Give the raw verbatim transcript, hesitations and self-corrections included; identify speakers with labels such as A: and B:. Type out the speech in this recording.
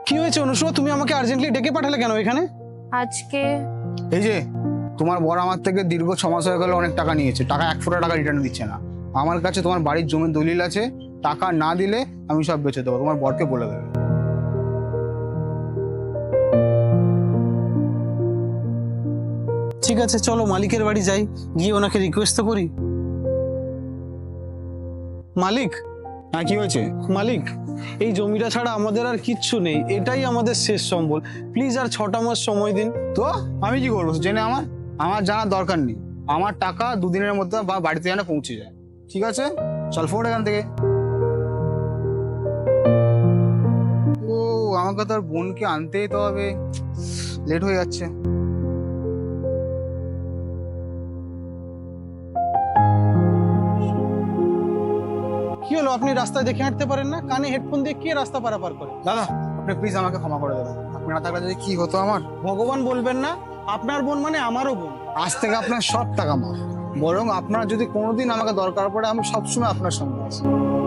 A: কি হয়েছে অনুষ্কা, তুমি আমাকে আর্জেন্টলি ডেকে পাঠালে কেন এখানে?
B: আজকে
C: এই যে তোমার বর আমার থেকে দীর্ঘ ছ মাস হয়ে গেল অনেক টাকা নিয়েছে, টাকা এক ফোঁটা টাকা রিটার্ন দিচ্ছে না। আমার কাছে তোমার বাড়ির জমির দলিল আছে, টাকা না দিলে আমি সব বেচে দেবো, তোমার বরকে বলে দেবে।
A: ঠিক আছে, চলো মালিকের বাড়ি যাই, গিয়ে ওনাকে রিকোয়েস্ট তো করি। মালিক,
C: হ্যাঁ কি হয়েছে?
A: মালিক, এই জমিটা ছাড়া আমাদের আর কিচ্ছু নেই, এটাই আমাদের শেষ সম্বল। প্লিজ আর ছটা মাস সময় দিন।
C: তো আমি কি করবো জেনে? আমার আমার জানার দরকার নেই। আমার টাকা দুদিনের মধ্যে বা বাড়িতে যেন পৌঁছে যায়। ঠিক আছে, চল ফোন এখান থেকে। ও আমাকে তোর বোনকে আনতেই তো হবে, লেট হয়ে যাচ্ছে।
A: কি হলো, আপনি রাস্তায় দেখে হাঁটতে পারেন না? কানে হেডফোন দিয়ে কে রাস্তা পারাপার করে?
C: দাদা আপনি প্লিজ আমাকে ক্ষমা করে দেবেন, আপনি না থাকলে যদি কি হতো আমার।
A: ভগবান বলবেন না, আপনার বোন মানে আমারও বোন।
C: আজ থেকে আপনার সব টাকা মাফ, বরং আপনার যদি কোনোদিন আমাকে দরকার পড়ে আমি সবসময় আপনার সঙ্গে আছি।